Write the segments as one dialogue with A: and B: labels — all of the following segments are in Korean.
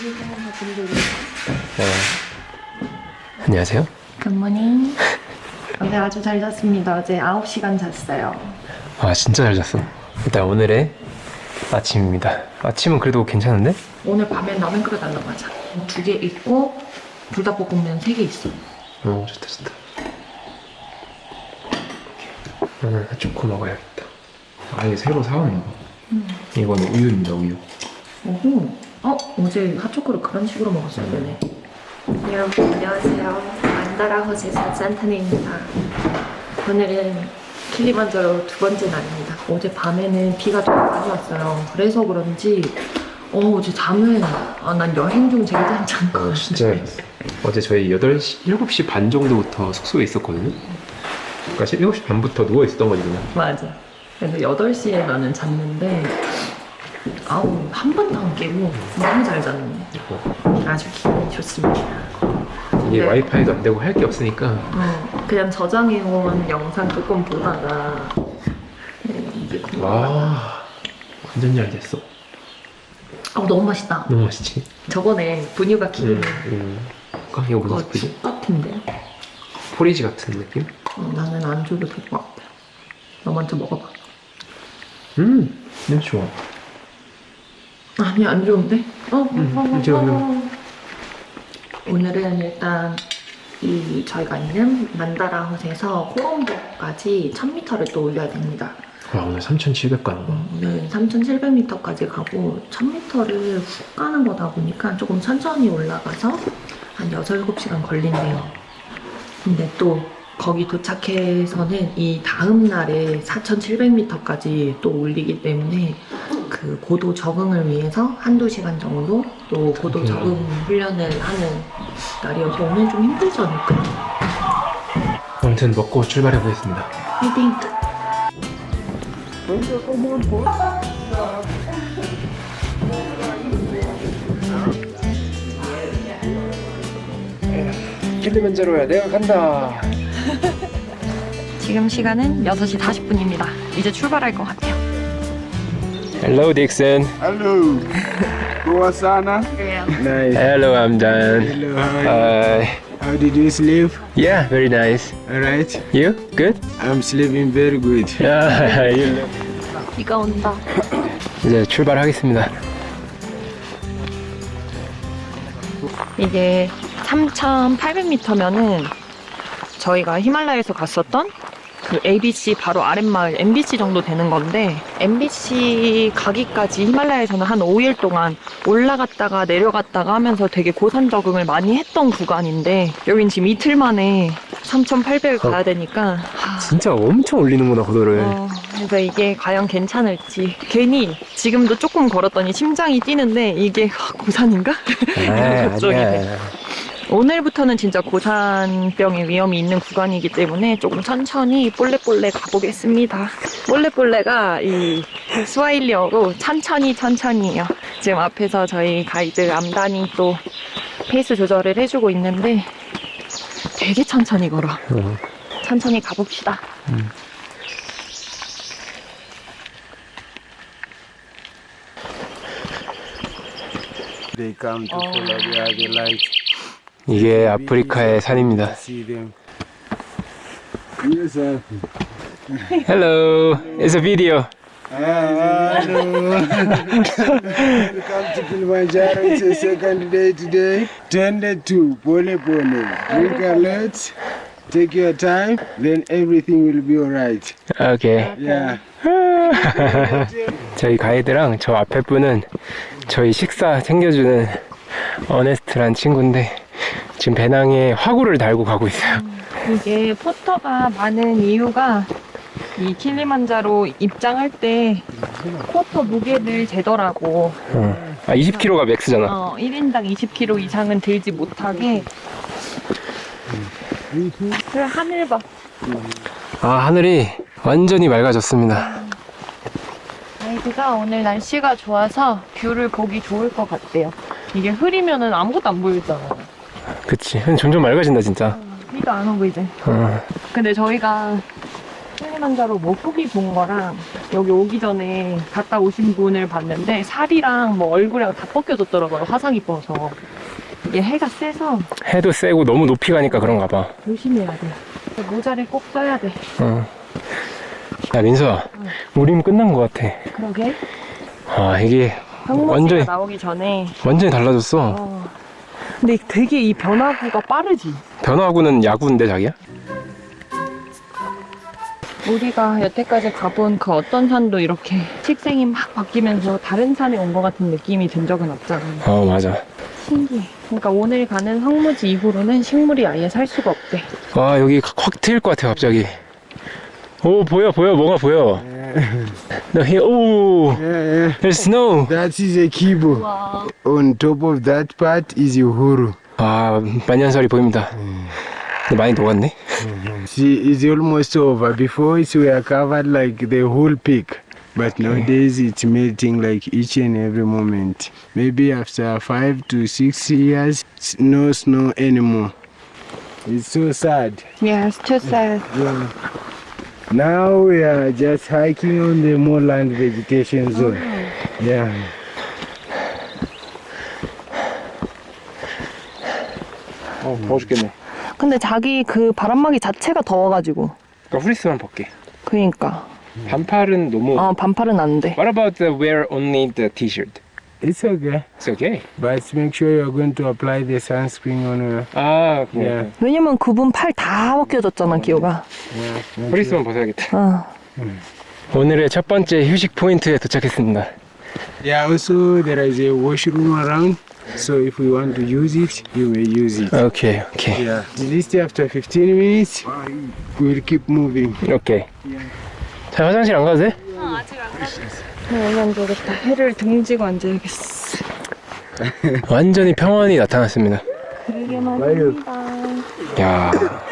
A: 안녕하세요.
B: 굿모닝. 네, 아주 잘 잤습니다. 어제 9시간 잤어요.
A: 아, 진짜 잘 잤어. 일단 오늘의 아침입니다. 아침은 그래도 괜찮은데?
B: 오늘 밤엔 라면 끓여 달라고 하자. 2개 있고 불닭볶음면 3개 있어.
A: 좋다 좋다. 나는 핫초코 먹어야겠다.
C: 아예 새로 사왔나 봐. 이거는 우유입니다, 우유.
B: 오호. 어제 핫초코를 그런 식으로 먹었어야 되네. 여러분 안녕하세요. 만다라 호세사 산타네입니다. 오늘은 킬리만자로 2번째 날입니다. 어제 밤에는 비가 좀 많이 왔어요. 그래서 그런지 어제 잠을 난 여행 중 제일 잘 잔 것 같아.
A: 진짜 잘 잤어. 어제 저희 7시 반 정도부터 숙소에 있었거든요. 그러니까 7시 반부터 누워 있었던 거지 그냥.
B: 맞아. 그래서 8시에 나는 잤는데 한 번도 안 깨고 너무 잘 잤는데 아주 기분이 좋습니다.
A: 이게
B: 네.
A: 와이파이도 안 되고 할 게 없으니까
B: 그냥 저장해온 영상 조금 보다가 이게
A: 와 완전 잘 됐어.
B: 너무 맛있다.
A: 너무 맛있지?
B: 저번에 분유가 키우는
A: 이거 무슨
B: 그거
A: 스프지?
B: 똑같은데
A: 포리지 같은 느낌?
B: 나는 안 줘도 될 것 같아. 너 먼저 먹어봐.
A: 냄새 좋아.
B: 아니 안 좋은데?
A: 이제 오늘
B: 오늘은 일단 저희가 있는 만다라헛에서 코롬보까지 1000m를 또 올려야 됩니다.
A: 와 오늘 3,700 가는 거.
B: 오늘 3700m까지 가고 1000m를 훅 가는 거다 보니까 조금 천천히 올라가서 한 6, 7시간 걸린대요. 근데 또 거기 도착해서는 이 다음 날에 4700m까지 또 올리기 때문에 그 고도 적응을 위해서 한두 시간 정도 또 고도 적응 훈련을 하는 날이어서 오늘 좀 힘들지 않을까?
A: 아무튼 먹고 출발해 보겠습니다.
B: 화이팅!
A: 킬리만자로야 내가 간다.
B: 지금 시간은 6시 40분입니다. 이제 출발할 것 같아요.
A: Hello Dixon.
D: Hello. Boa sana. Nice.
A: Hello I'm Dan.
D: Hello, how how did you sleep?
A: Yeah, very nice.
D: Alright.
A: You? Good?
D: I'm sleeping very good.
A: Yeah, you look.
B: 비가 온다.
A: 이제 출발하겠습니다.
B: 이게 3,800m면은 저희가 히말라야에서 갔었던 그 ABC 바로 아랫마을 MBC 정도 되는 건데 MBC 가기까지 히말라야에서는 한 5일 동안 올라갔다가 내려갔다가 하면서 되게 고산 적응을 많이 했던 구간인데 여긴 지금 이틀 만에 3,800을 가야 되니까
A: 진짜 엄청 올리는구나 고도를.
B: 그래서 이게 과연 괜찮을지 괜히 지금도 조금 걸었더니 심장이 뛰는데 이게 고산인가? 이런 걱정이 돼. 오늘부터는 진짜 고산병의 위험이 있는 구간이기 때문에 조금 천천히 볼레볼레 가보겠습니다. 볼레볼레가 이 스와힐리어로 천천히예요. 지금 앞에서 저희 가이드 암단이 또 페이스 조절을 해주고 있는데 되게 천천히 걸어. 천천히 가봅시다.
D: They come to follow the light.
A: 이게 아프리카의 산입니다.
D: See them. Yes, sir.
A: Hello, it's a video.
D: Hello. Welcome to Kilimanjaro. It's the second day today. 10:02. Pole pole. Drink a lot. Take your time. Then everything will be alright.
A: 오케이.
D: Yeah.
A: 저희 가이드랑 저 앞에 분은 저희 식사 챙겨주는 어네스트란 친구인데 지금 배낭에 화구를 달고 가고 있어요.
B: 이게 포터가 많은 이유가 이 킬리만자로 입장할 때 포터 무게를 재더라고.
A: 20kg가 맥스잖아.
B: 1인당 20kg 이상은 들지 못하게. 그래, 하늘 봐.
A: 하늘이 완전히 맑아졌습니다.
B: 가이드가 오늘 날씨가 좋아서 뷰를 보기 좋을 것 같대요. 이게 흐리면은 아무것도 안 보이잖아.
A: 그치. 점점 맑아진다 진짜.
B: 비가 안 오고 이제. 근데 저희가 킬리만자로 뭐 후기 본 거랑 여기 오기 전에 갔다 오신 분을 봤는데 살이랑 뭐 얼굴이랑 다 벗겨졌더라고요. 화상 입어서. 이게 해가 세서
A: 해도 세고 너무 높이 가니까 그런가 봐.
B: 조심해야 돼. 모자를 꼭 써야 돼.
A: 야, 민서야. 우림 끝난 것 같아.
B: 그러게.
A: 아, 이게
B: 항목지가
A: 완전히-
B: 나오기 전에.
A: 완전히 달라졌어.
B: 근데 되게 이 변화구가 빠르지.
A: 변화구는 야구인데, 자기야?
B: 우리가 여태까지 가본 그 어떤 산도 이렇게 식생이 막 바뀌면서 다른 산에 온 것 같은 느낌이 든 적은 없잖아.
A: 맞아.
B: 신기해. 그러니까 오늘 가는 황무지 이후로는 식물이 아예 살 수가 없대.
A: 와, 여기 확 트일 것 같아, 갑자기. 오, 보여. 뭐가 보여. 너, 오,
D: Yeah, yeah.
A: there's snow.
D: That is a kibo.
B: 와.
D: On top of that part is Uhuru.
A: 아, 만년설이 보입니다. 근데 많이 녹았네.
D: See, it's almost over. Before it were covered like the whole peak. But nowadays it's melting like each and every moment. Maybe after 5 to 6 years, no snow anymore. It's so sad.
B: Yes, too sad.
D: Yeah. Now we are just hiking on the moorland vegetation zone. Yeah.
A: 더워 죽겠네.
B: 근데 자기 그 바람막이 자체가 더워가지고.
A: 그러니까 후리스만 벗게.
B: 그니까.
A: 반팔은 너무.
B: 반팔은 안 돼.
A: What about the wear only the t-shirt?
D: It's okay.
A: It's okay.
D: But make sure you're going to apply the sunscreen on your...
A: 아, 그래.
D: Yeah.
B: 왜냐면 그분 팔 다 벗겨졌잖아, 기호가.
D: Yeah.
A: 후리스만 벗어야겠다.
B: 어.
A: 오늘의 첫 번째 휴식 포인트에 도착했습니다.
D: Yeah, also there is a washroom around. So if we want to use it, you may use it.
A: 오케이.
D: Yeah. At least after 15 minutes, we'll keep moving.
A: 오케이. 자, 화장실 안 가도 돼?
B: 여기 앉아야겠다. 해를 등지고 앉아야겠어.
A: 완전히 평온이 나타났습니다.
B: 되게 많습니다.
A: 야.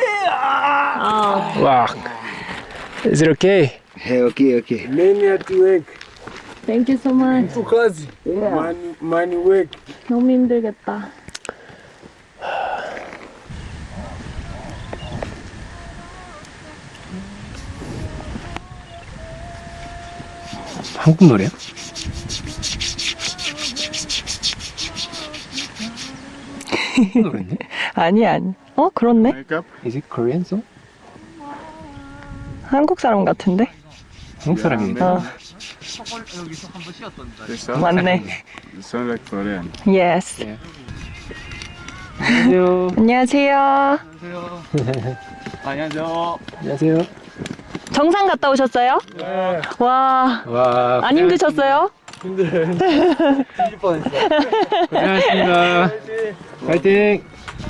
A: 와. Is it okay?
D: Hey, okay. Many at work.
B: Thank you so much.
D: Because money work.
B: 너무 힘들겠다.
A: 한국 노래야? 한국 노래인데?
B: 아니. 그렇네.
D: Wake up.
A: Is it Korean song?
B: 한국 사람 같은데?
A: 한국 사람인데?
B: 맞네.
D: Sound like Korean.
B: Yes.
A: 안녕하세요.
B: 안녕하세요.
A: 안녕하세요.
B: 정상 갔다 오셨어요? 네. 와,
A: 와.
B: 안 힘드셨어요?
A: 고생하셨습니다. 파이팅.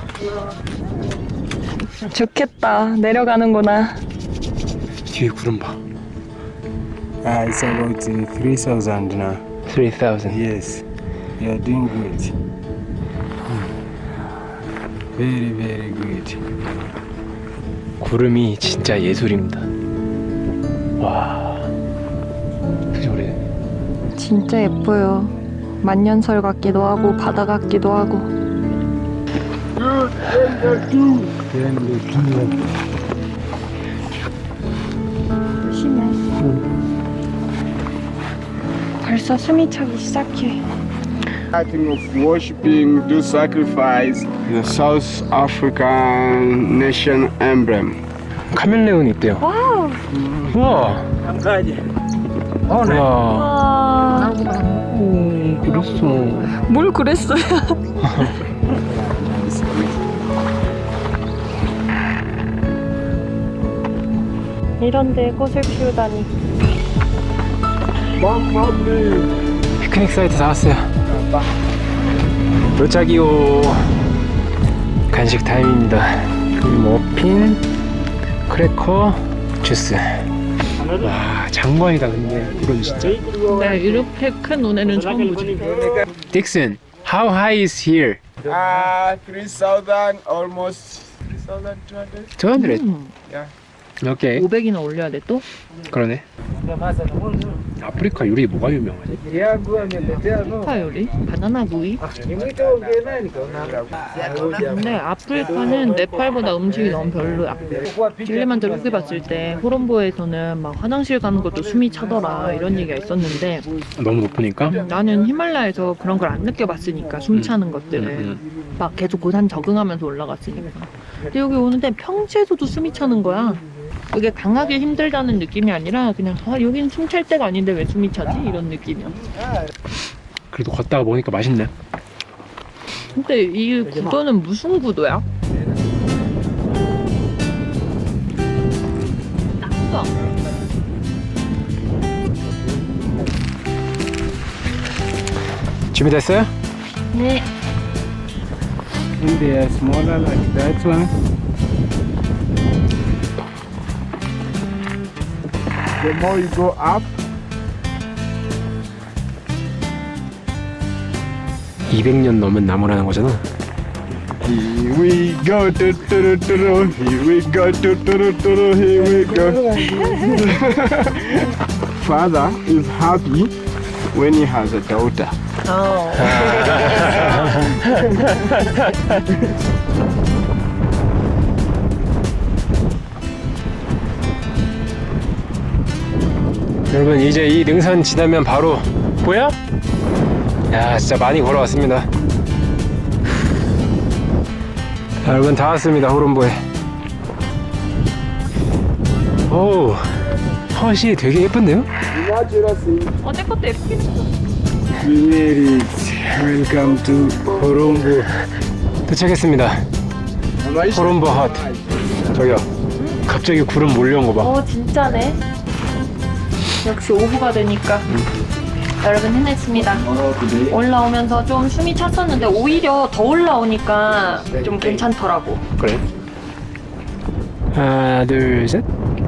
B: 좋겠다. 내려가는구나.
A: 뒤에 구름 봐.
D: It's about 3,000 now.
A: 3,000.
D: Yes. You are doing good. Very, very good.
A: 구름이 진짜 예술입니다. 와. 그죠, 그래?
B: 진짜 예뻐요. 만년설 같기도 하고 바다 같기도 하고. 심해. 벌써 숨이 차기 시작해.
D: Starting of worshipping, do sacrifice the South African nation emblem.
A: 카멜레온이 있대요.
B: 와우.
A: 우와. 우와.
B: 와.
A: 그랬어.
B: 뭘 그랬어요? 이런데 꽃을 피우다니.
A: 피크닉 사이트 다 왔어요. 도착이요. 간식 타임입니다. 머핀, 크래커, 주스. 와, 장관이다. 근데 이건 진짜.
B: 네, 이렇게 큰 논에는 처음 보지.
A: 딕슨, how high is here?
D: 3,000, almost 3,200.
A: 200.
D: Yeah.
A: 오케이.
B: 500이나 올려야 돼 또?
A: 그러네. 아프리카 요리 뭐가 유명하지?
B: 아프리카 요리? 바나나 구이? 근데 아프리카는 네팔보다 음식이 너무 별로야. 킬리만자로 후기 봤을 때 호롬보에서는 막 화장실 가는 것도 숨이 차더라 이런 얘기가 있었는데
A: 너무 높으니까?
B: 나는 히말라야에서 그런 걸 안 느껴봤으니까 숨 차는 것들을 막 계속 고산 적응하면서 올라갔으니까. 근데 여기 오는데 평지에서도 숨이 차는 거야. 그게 강하게 힘들다는 느낌이 아니라 그냥 여긴 숨 찰 때가 아닌데 왜 숨이 차지? 이런 느낌이야.
A: 그래도 걷다가 먹으니까 맛있네.
B: 근데 이 구도는 무슨 구도야? 땅도
A: 준비됐어요?
B: 네.
D: And they are smaller like that one. The more you go up,
A: 200년 넘은 나무라는 거잖아.
D: here we go, here we go, here we go. Father is happy when he has a daughter.
A: 여러분 이제 이 능선 지나면 바로 보여? 야 진짜 많이 걸어왔습니다. 자, 여러분 다 왔습니다. 호롬보에. 오 헛이 되게 예쁜데요?
D: What you see?
B: 어제 것도 예쁘긴 했어.
D: We made it. Welcome to Horombo.
A: 도착했습니다. 호롬보 헛. 저기요 갑자기 구름 몰려온 거 봐.
B: 진짜네. 역시 오후가 되니까 여러분 해냈습니다. 올라오면서 좀 숨이 찼었는데 오히려 더 올라오니까 좀 괜찮더라고.
A: 그래. 하나 둘 셋.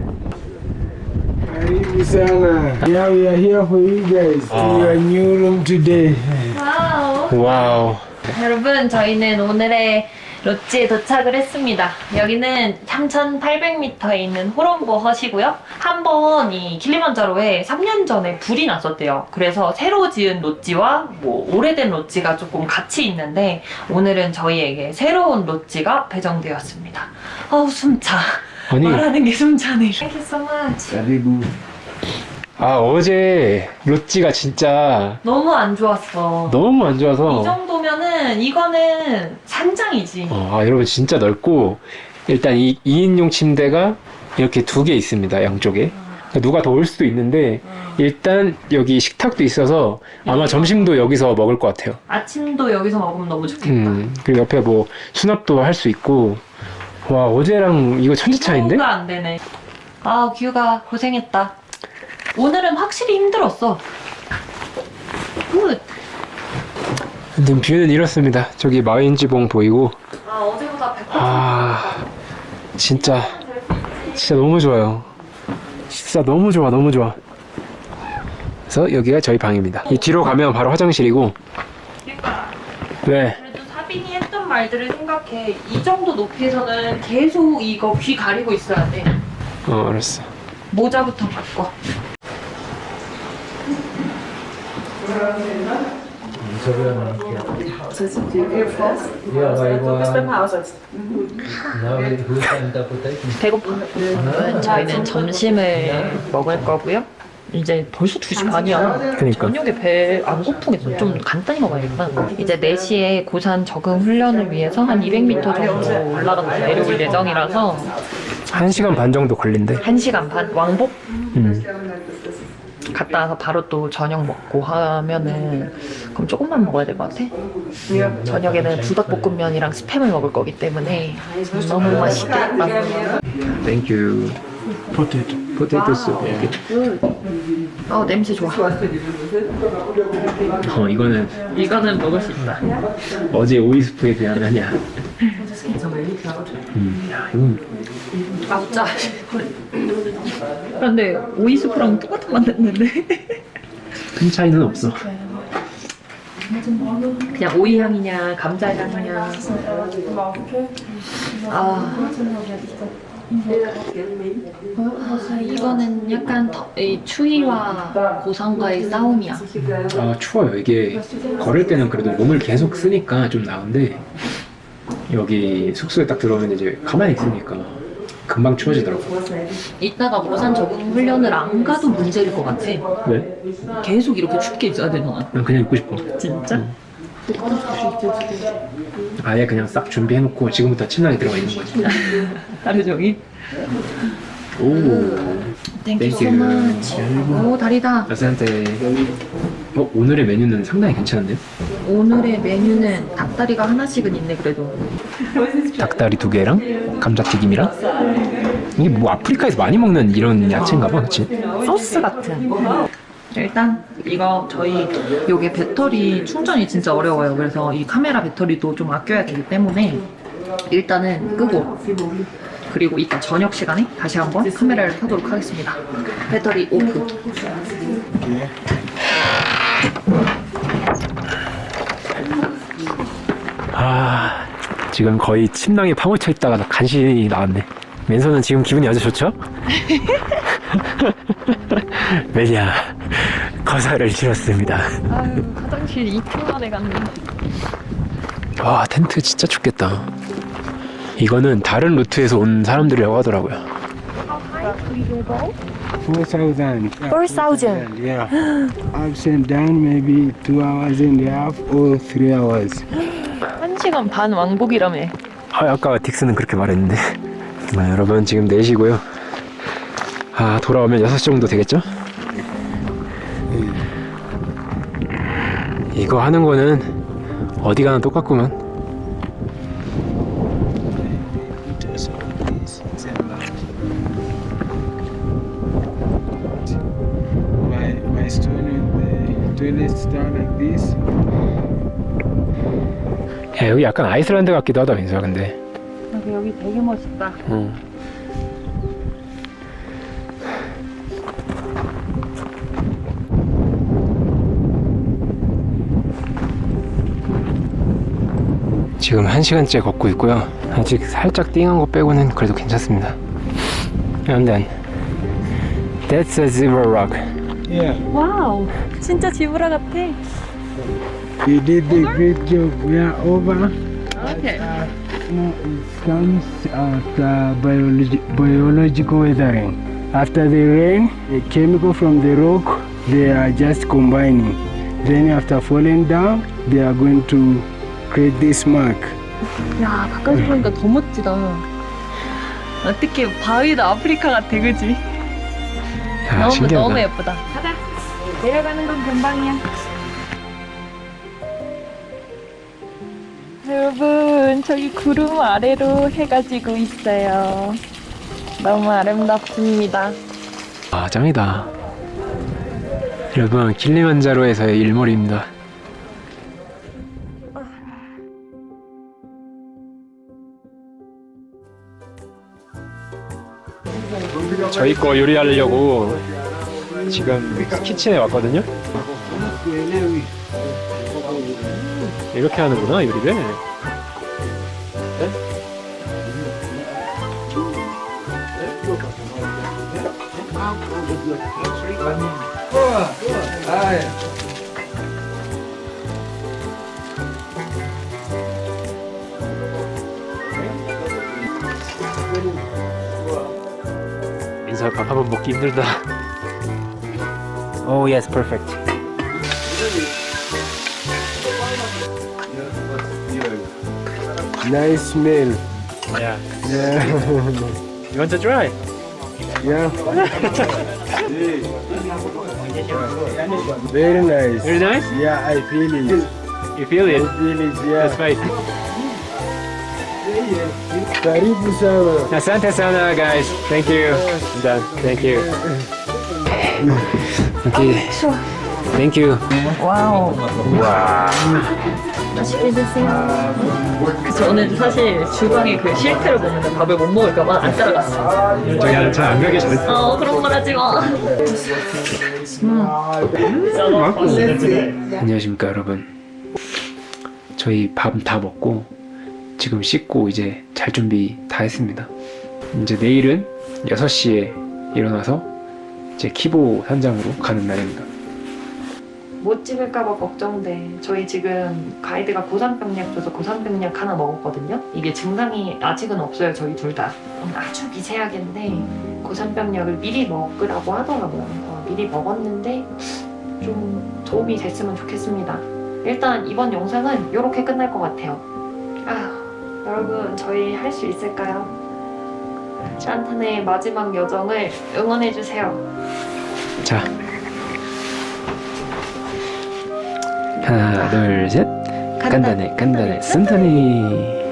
D: Sana. Yeah, we are here for you guys. To your new room today.
B: 와우.
A: 와우.
B: 여러분 저희는 오늘의 로찌에 도착을 했습니다. 여기는 3,800m에 있는 호롬보 헛이고요. 한번 이 킬리만자로에 3년 전에 불이 났었대요. 그래서 새로 지은 로찌와 뭐 오래된 로찌가 조금 같이 있는데 오늘은 저희에게 새로운 로찌가 배정되었습니다. 어우 숨차.
A: 아니
B: 말하는 게 숨차네. Thank you so much.
D: Karibu.
A: 아 어제 로찌가 진짜
B: 너무 안 좋았어.
A: 너무 안
B: 이
A: 좋아서
B: 정도면은 이거는 산장이지.
A: 여러분 진짜 넓고 일단 이 2인용 침대가 이렇게 2개 있습니다. 양쪽에. 그러니까 누가 더 올 수도 있는데 일단 여기 식탁도 있어서 아마 점심도 여기서 먹을 것 같아요.
B: 아침도 여기서 먹으면 너무 좋겠다.
A: 그리고 옆에 뭐 수납도 할 수 있고. 와 어제랑 이거 천지 차이인데?
B: 뷰가 안 되네. 아 규가 고생했다. 오늘은 확실히 힘들었어. 굿.
A: 근데 뷰는 이렇습니다. 저기 마윈지봉 보이고.
B: 아 어제보다 100%
A: 아 진짜 너무 좋아요. 진짜 너무 좋아 너무 좋아. 그래서 여기가 저희 방입니다. 이 뒤로 가면 바로 화장실이고.
B: 그러니까
A: 네.
B: 그래도 사빈이 했던 말들을 생각해. 이 정도 높이에서는 계속 이거 귀 가리고 있어야 돼.
A: 알았어.
B: 모자부터 바꿔. 배고파. 저희는 점심을 먹을 거고요. 이제 벌써 2시 반이야.
A: 그러니까.
B: 저녁에 배 안 고프겠어. 좀 간단히 먹어야겠다. 이제 4시에 고산 적응 훈련을 위해서 한 200m 정도 올라갔다 내려올 예정이라서
A: 1시간 반 정도 걸린대.
B: 1시간 반 왕복
A: 음.
B: 갔다 와서 바로 또 저녁 먹고 하면은 그럼 조금만 먹어야 될 것 같아. 저녁에는 부닭볶음면이랑 스팸을 먹을 거기 때문에 너무 맛있겠다.
A: 땡큐. 포테이토 숲.
B: 냄새 좋아. 이거는 먹을 수 있다.
A: 어제 오이스프에 비하면야. 야 이건
B: 맞자. 근데 오이스프랑 똑같은 맛 났는데.
A: 큰 차이는 없어.
B: 그냥 오이 향이냐 감자 향이냐. 이거는 약간 이 추위와 고산과의 싸움이야.
A: 아 추워요. 이게 걸을 때는 그래도 몸을 계속 쓰니까 좀 나은데 여기 숙소에 딱 들어오면 이제 가만히 있으니까 금방 추워지더라고.
B: 이따가 고산 적응 훈련을 안 가도 문제일 것 같아.
A: 왜?
B: 계속 이렇게 춥게 있어야 되잖아.
A: 난 그냥 있고 싶어.
B: 진짜?
A: 아예 그냥 싹 준비해놓고 지금부터 침낭에 들어가 있는 거지.
B: 하루 종일?
A: 오.
B: Thank you so much. 오, 다리다.
A: 아스한테. 오늘의 메뉴는 상당히 괜찮은데요?
B: 오늘의 메뉴는 닭다리가 하나씩은 있네, 그래도.
A: 닭다리 2개랑 감자튀김이랑 이게 뭐 아프리카에서 많이 먹는 이런 야채인가 봐, 그치?
B: 소스 같은. 일단 이거 저희 요게 배터리 충전이 진짜 어려워요. 그래서 이 카메라 배터리도 좀 아껴야 되기 때문에 일단은 끄고 그리고 이따 저녁 시간에 다시 한번 카메라를 켜도록 하겠습니다. 배터리 오프.
A: 아, 지금 거의 침낭에 파묻혀 있다가 간신히 나왔네. 맨손은 지금 기분이 아주 좋죠? 왜냐, 거사를 치렀습니다.
B: 아유, 화장실 2분 만에 갔네.
A: 와, 텐트 진짜 춥겠다. 이거는 다른 루트에서 온 사람들이라고 하더라고요.
D: 4,000.
B: 4,000.
D: Yeah. Ups and down, maybe 2 hours and a half or 3 hours.
B: 1시간 반 왕복이라며.
A: 아까 딕스는 그렇게 말했는데. 여러분 지금 4시고요. 돌아오면 6시 정도 되겠죠? 이거 하는 거는 어디 가나 똑같구만.
D: My stone in the toilet stand like this.
A: 야, 여기 약간 아이슬란드 같기도 하다, 민수야, 근데.
B: 여기 되게 멋있다.
A: 지금 1시간째 걷고 있고요. 아직 살짝 띵한 거 빼고는 그래도 괜찮습니다. And then that's a zebra rock.
D: Yeah.
B: 와우, 진짜 지브라 같아.
D: You did the great job. We are over.
B: 오케이.
D: No, it comes after biological weathering. After the rain, the chemical from the rock, they are just combining. Then after falling down, they are going to create this mark.
B: 야, 가까이 보니까 더 멋지다. 어떻게 바위도 아프리카 같아, 그지?
A: 야, 신기하다.
B: 너무 예쁘다. 가자. 내려가는 건 금방이야. 여러분, 저기 구름 아래로 해가 지고 있어요. 너무 아름답습니다.
A: 아, 짱이다. 여러분, 킬리만자로에서의 일몰입니다. 저희 거 요리하려고 지금 키친에 왔거든요. 이렇게 하는구나, 요리를. 인사 밥 한번 먹기 힘들다. Oh yes, perfect.
D: Nice smell.
A: Yeah.
D: Yeah.
A: You want to try?
D: Yeah. Very nice.
A: Very nice.
D: Yeah, I feel it.
A: You feel it?
D: I feel it,
A: The
D: yeah.
A: spice.
D: Karibu sana.
A: Asante sana, guys. Thank you. I'm done. Thank you. Okay. Thank you.
B: 와우.
A: 와.
B: 맛있게 드세요. 저는 사실 주방에 그 실태를 보면 밥을 못 먹을까봐 안 따라갔어.
A: 저기 잘안 가게 잘했어.
B: 그런 말 하지 마.
A: 안녕하십니까, 여러분. 저희 밥 다 먹고 지금 씻고 이제 잘 준비 다 했습니다. 이제 내일은 6시에 일어나서 이제 키보 산장으로 가는 날입니다.
B: 못 찍을까봐 걱정돼. 저희 지금 가이드가 고산병약 줘서 고산병약 하나 먹었거든요. 이게 증상이 아직은 없어요, 저희 둘 다. 아주 미세하게인데 고산병약을 미리 먹으라고 하더라고요. 미리 먹었는데 좀 도움이 됐으면 좋겠습니다. 일단 이번 영상은 이렇게 끝날 것 같아요. 여러분 저희 할 수 있을까요? 샨탄의 마지막 여정을 응원해주세요.
A: 자, 하나, 둘, 셋. 간단해, 간단해, 산타네.